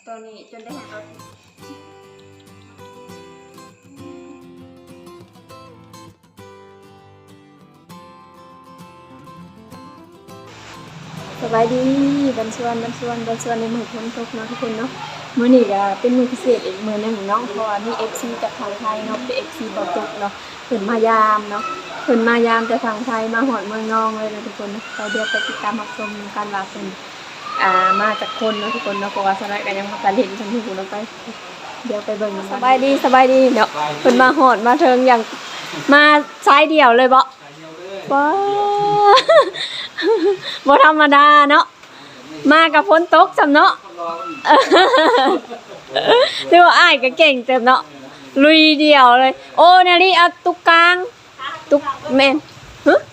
ตัวนี้จนได้เห็นเราสบายดีบันชวนในมือพ้นตกเนาะทุกคนเนาะมื้อนี้ก็เป็นมื้อพิเศษอีกมื้อนึงเนาะเพราะว่ามี FC จากทางไทยเนาะเป็น FC บ่ตกเนาะเพิ่นมายามเนาะเพิ่นมายามจากทางไทยมาฮอดเมืองนองเลยนะทุกคนไปเดี๋ยวไปติดตามรับชมกันว่าเพิ่นมาจากคนเนาะทุกคนเนาะเพราะว่าสมัยก็ยังบ่ทันเห็นทั้งที่เราไปเดี๋ยวไปเบิ่งสบายดีเนาะเพิ่นมาฮอดมาถึงอย่างมาสายเดียวเลยบ่ว้าบ่ธรรมดาเนาะมากับฝนตกจำเนาะดูอ้ายก็เก่งเต็มเนาะลุยเดียวเลยโอ้นาลีเอาตุกกลางตุกแม่นฮะ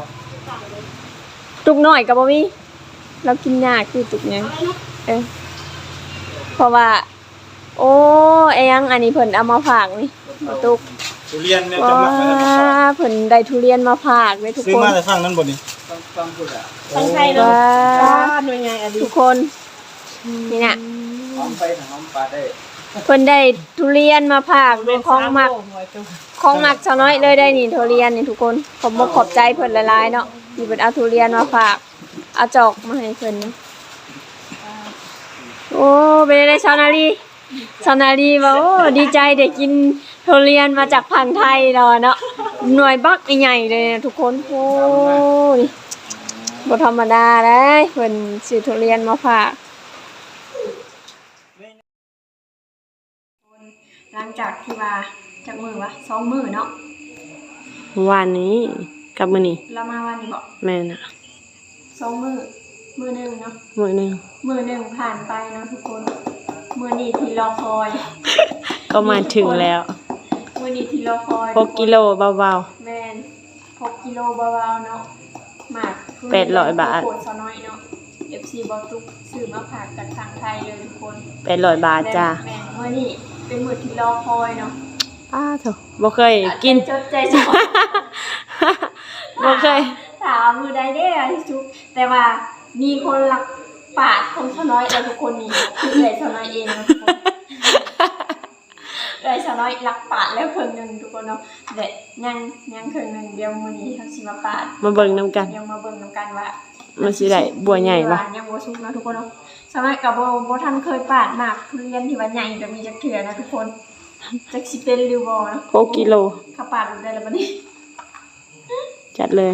ตุกหน่อยกับบ่มีเรากินยากคือตุกยังเพราะว่าโอ้ไอ้ยังอันนี้เพิ่นเอามาฝากนี่ตุกทุเรียนเนี่ยจะมาเพิ่นได้ทุเรียนมาฝากเลยทุกคนซื้อมาแต่ฟังนั้นบ่นี่ฟังไทยเนาะหน่วยงานทุกคนนี่น่ะหอมไปหอมปลาได้เพิ่นได้ทุเรียนมาฝากเป็นของหมักชาวน้อยเลยได้นี่ทุเรียนนี่ทุกคนผมบ่ขอบใจเพิ่นหลายๆเนาะที่เพิ่นเอาทุเรียนมาฝากเอาจอกมาให้เพิ่นโอ้เป็นได้ชาวนาลีว่าโอ้ดีใจได้กินทุเรียนมาจากฝั่งไทยเนาะหน่วยบักใหญ่ๆเลยนะทุกคนโอ้ยบ่ธรรมดาเด้เพิ่นซื้อทุเรียนมาฝากหลังจากที่ว่าจากมือวะ2 มื้อเนาะวันนี้กับมื้อนี้เรามาวันนี้บ่แม่น่ะ 2 มื้อนึงเนาะมื้อนึงผ่านไปเนาะทุกคนมื้อนี้ที่รอคอยก็มาถึงแล้วมื้อนี้ที่รอคอย 6กิโลเบาๆแม่น6กิโลเบาๆเนาะหมาก 800 บาทโคตรซะน้อยเนาะ FC บ่ตุกซื้อมาฝากจากทางไทยเลยทุกคน 800 บาทจ้าแม่นมื้อนี้เป็นมื้อที่รอคอยเนาะโธ่บ่เคยกินจดใจจ่อบ่เคยถามมื้อใดเด้อที่ทุกแต่ว่ามีคนรักปาดของซะน้อยแล้วทุกคนนี่คือได้ซะน้อยเองนะทุกคนได้ซะน้อยรักปาดแล้วครึ่งนึงทุกคนเนาะเด็ดยังครึ่งนึงเดี๋ยวมื้อนี้เฮาสิมาปาดมาเบิ่งนำกันเดี๋ยวมาเบิ่งนำกันว่ามันสิได้บัวใหญ่บ่ยังบ่สุกนะทุกคนเนาะสมัยก็บ่ทันเคยปาดหมากทุเรียนที่ว่าใหญ่แบบนี้จักเทื่อนะทุกคนจักสิเป็นหรือบ่เนาะ 6กิโลข้าปาดได้แล้วบัดนี้จัดเลย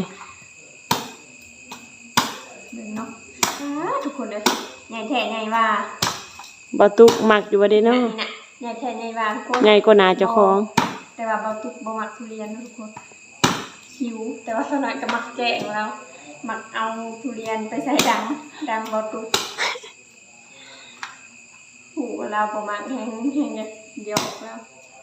เนาะทุกคนเลยใหญ่แท้ใหญ่ว่าบ่ตุกมักอยู่บ่ได้เนาะใหญ่แท้ใหญ่ว่าทุกคนใหญ่กว่าหน้าเจ้าของแต่ว่าบ่ตุกบ่มักทุเรียนทุกคนหิวแต่ว่าสน้อยก็มักแกงแล้วมักเอาทุเรียนไปใส่ดังบ่ตุกหูเราประมาณแห้งเดียวแล้ว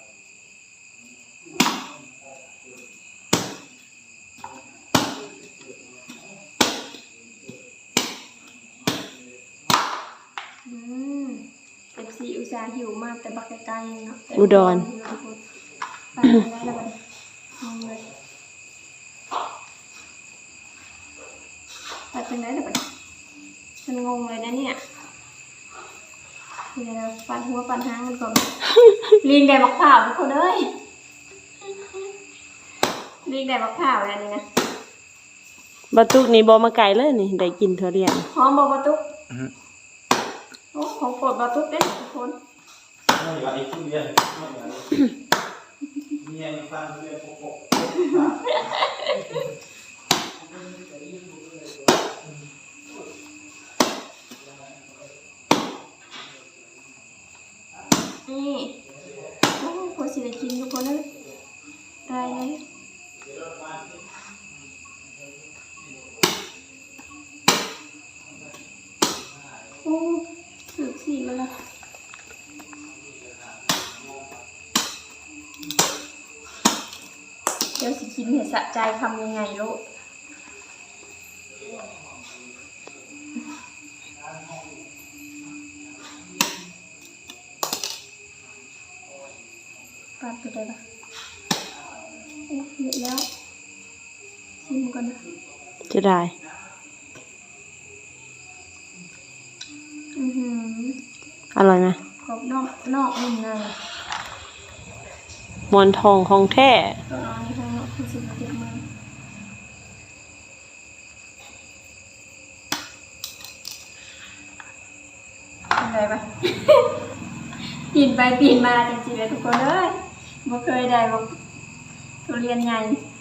FC อุตส่าห์หิวมากแต่บักไกลๆเนาะอุดรไปได้แล้วบัดนี้ไปเป็นไหนแล้วบัดนี้ฉันงงเลยนะเนี่ยเดี๋ยวปั่นหัวปั่นหางกันก่อนลิงได้บักข่าวทุกคนเอ้ยลิงได้บักข่าวแล้วนี่นะบ่ตุกนี่บ่มาไกลเลยนี่ได้กินทุเรียนหอมบ่ตุกโอ้ของโปรดบ่ตุกเด้ทุกคนไม่ว่าไอ้ทุเรียนมีไอ้ฟังทุเรียนโปะนี่โอ้พอสิได้กินทุกคนเลยได้เลยโอ้ถือสีมาแล้วเดี๋ยวสิกินเห็ดสะใจทำยังไงลูกปัดไปได้ปะเอ๊ะเยอะแล้วชิมก่อนนะจะได้อร่อยไหมกรอบนอกนุ่มในหมอนทองของแท้ตัวน้อยในข้างนอกคือ10 7มื้ออะไรปะ ปีนไปปีนมาจริงๆเลยทุกคนเอ้ยบ่เคยได้บ่ทุเรียนใหญ่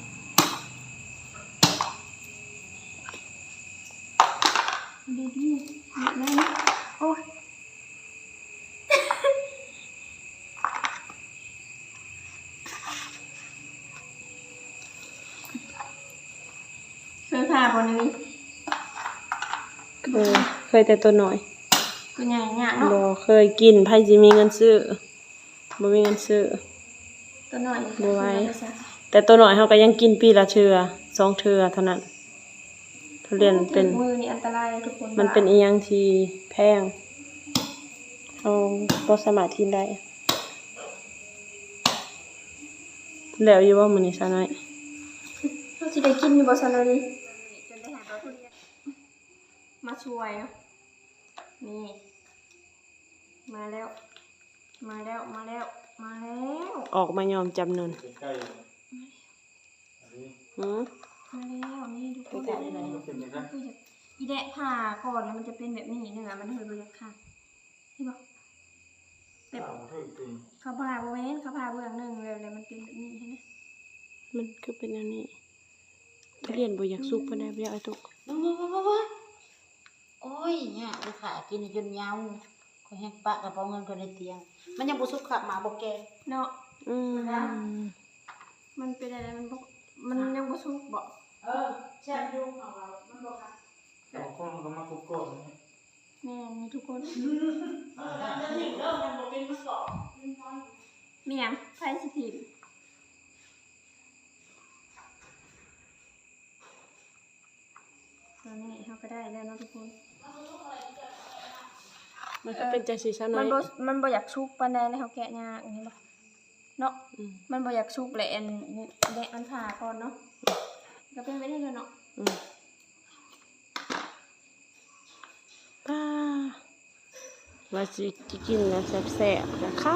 ดีๆนั่นโอ้ยเคยพาบ่นี่เคยแต่ตัวน้อยก็ใหญ่ยากเนาะบ่เคยกินไผสิมีเงินซื้อบ่มีเงินซื้อตัวน้อยบ่ไหว แต่ตัวน้อยเฮาก็ยังกินปีละเทื่อ2เทื่อเท่านั้นทุเรียนเป็นมือนี่อันตรายทุกคนมันเป็นอีหยังที่แพงเอาบ่สามารถกินได้แล้วอยู่ว่ามื้อนี้ซะน้อยเราจะได้กินอยู่บ่ซันเลยจนได้หาตัวทุเรียนมาช่วยเนาะนี่ มาแล้ว มาแล้ว มาแล้ว มาแล้วออกมายอมจำนนใกล้ๆอันนี้หือมาแล้วนี่ทุกคนมันเป็นยังไงคือจะอีแดะผ่าก่อนแล้วมันจะเป็นแบบนี้เนื้อมันเคยบริค่ะเห็นปะแบบเอาเท่าอีกทีเขาผ่าบริเวณเขาผ่าเบื้องหนึ่งเลยมันเป็นแบบนี้เห็นไหมมันคือเป็นอันนี้ทุเรียนบ่อยากสุกปานใดบ่อยากเอาตุกว้าโอ้ยเนี่ยไปขายกินจนยาวก็แห้งปะกระเป๋าเงินก็ในเตียง มันยังบ่สุกขับหมาบ่แกเนาะอืมมันเป็นอะไรมันยังบ่สุกบ่แช่ยุ่งของเรามันบ่ค่ะเอาข้องก็มาคุกก้อนนี่แม่นี่ทุกคนจะถึงเริ่มมันบ่เป็นมาสอบเมียงไฟสถิตตอนนี้เขาก็ได้แล้วเนาะทุกคนมันก็เป็นจังซี่ซะน้มัอน ยบ่อยากชุกปานใดเลยเขาแกะยากอย่างนี้บ่เนาะอืมมันบ่อยากชุกแหละอันแดะมันผ่าก่อนเนาะก็เป็นไปได้เลยเนาะอืมป้าว่าสิกินแล้วแซ่บๆนะคะ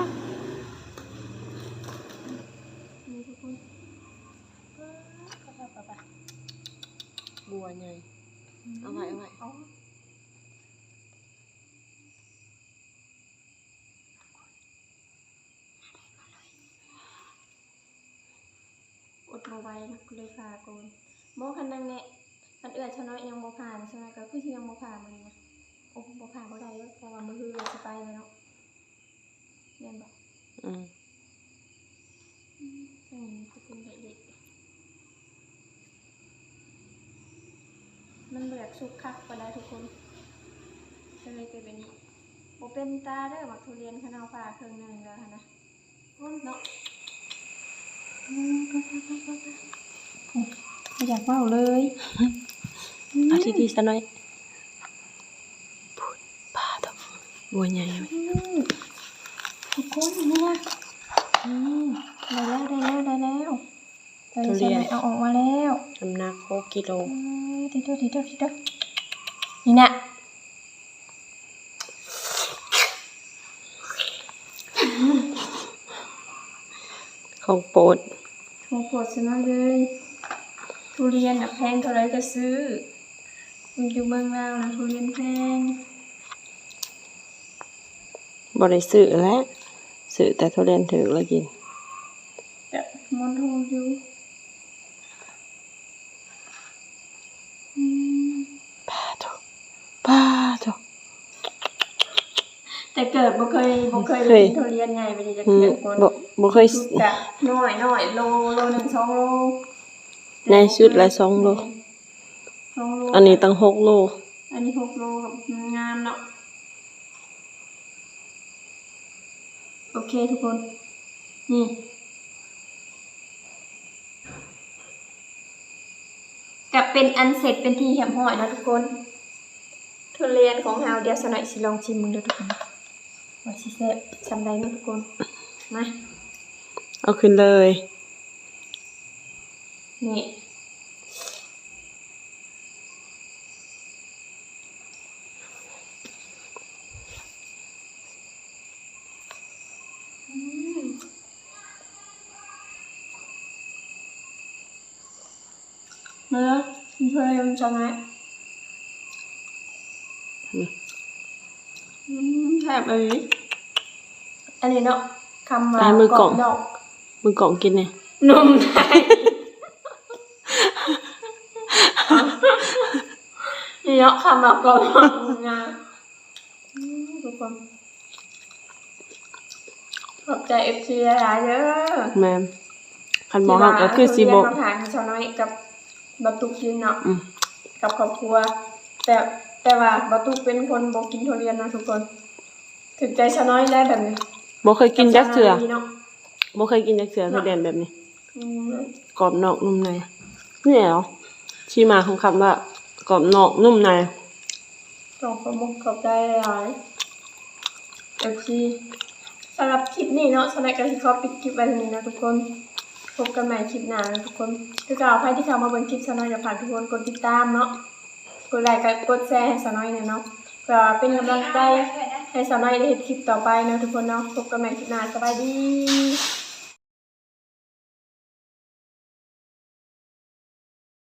นี่ทุกคนบัวใหญ่เอาไว้เอาอดบ่ไหวนะก็เลยผ่าก่อนบ่คันนังเนี่ยคันเอื้อชะน้อยยังบ่ผ่านใช่ไหมก็คือที่ยังบ่ผ่านมันนะโอ้บ่ผ่านบ่ได้เด้อเพราะว่ามื้อเราสิไปแล้วเนาะแม่นบ่อืมจะเป็นเด็กๆมันเบือกสุกคักไปได้ทุกคนก็เลยเป็นแบบนี้โอเป็นตาได้อว่าทุเรียนขนาวป่าเครื่องหนึงแล้วนะเนาะไม่อยากเมาเลยเอาที่ซะน้อยพูดป้าตบบัวใหญ่ไว้ทุกคนนี่นะได้แล้วตอนนี้เอาออกมาแล้วน้ำหนัก6กิโลทีเดียวนี่นะของโปรดโหดซะมาเลยทุเรียนแพงเท่าไรก็ซื้อมันอยู่เมืองลาวนะทุเรียนแพงบ่ได้ซื้อแล้วซื้อแต่ทุเรียนถูกแล้วกินแต่มอนโฮอยู่ป้าตบแต่เกิดบ่เคยได้กินทุเรียนใหญ่ไปดิจะอืมเกิดคนบ่เคยสุดกะน้อยโลหนึ่ง2 โลในสุดละ2 โล 2 โลอันนี้ตั้ง6 โลอันนี้6 โลกับงามเนาะโอเคทุกคนนี่กับเป็นอันเสร็จเป็นที่เหี่ยมห้อยนะทุกคนทุเรียนของเฮาเดี๋ยวสหน่อยสิลองชิมมึงดูทุกคนว่าสิแซ่บซำใดเนาะทุกคนมาเอาขึ้นเลยนี่มาเพื่อนจังไงแทบเลยอันนี้เนาะคำว่ามือกล่องดอกมือกล่องกินเนี่ยนุ่มไทยนี่เนาะคำว่ากล่องงาทุกคนขอบใจ FC หลายๆเด้อแม่นคันบ่ฮักก็คือสิบ่ที่มาผ่านชาวน้อยกับบัตุกกินเนาะ กับครอบครัวแต่ว่าบัตุกเป็นคนบ่กินทุเรียนนะทุกคนถึงใจชาวน้อยได้แบบนี้บ่เคยกินจักเทื่อเนาะบ่เคยกินจักเทื่อทุเรียนแบบนี้อืมกรอบนอกนุ่มในนี่เหรอที่มาของคำว่ากรอบนอกนุ่มในต้องขอมุกขอบใจหลายโอเคสำหรับคลิปนี้เนาะสำหรับการที่เขาปิดคลิปไว้ตรงนี้นะทุกคนพบกันใหม่คลิปหน้านะทุกคนคือจะเอาใครที่เข้ามาเบิ่งคลิปชาวน้อยอย่าผ่านทุกคนกดติดตามเนาะกดไลค์กดแชร์ให้ชาวน้อยหน่อยเนาะเพื่อเป็นกำลังใจให้ชาวน้อยได้เห็นคลิปต่อไปนะทุกคนเนาะพบกันใหม่คลิปหน้าสบายดี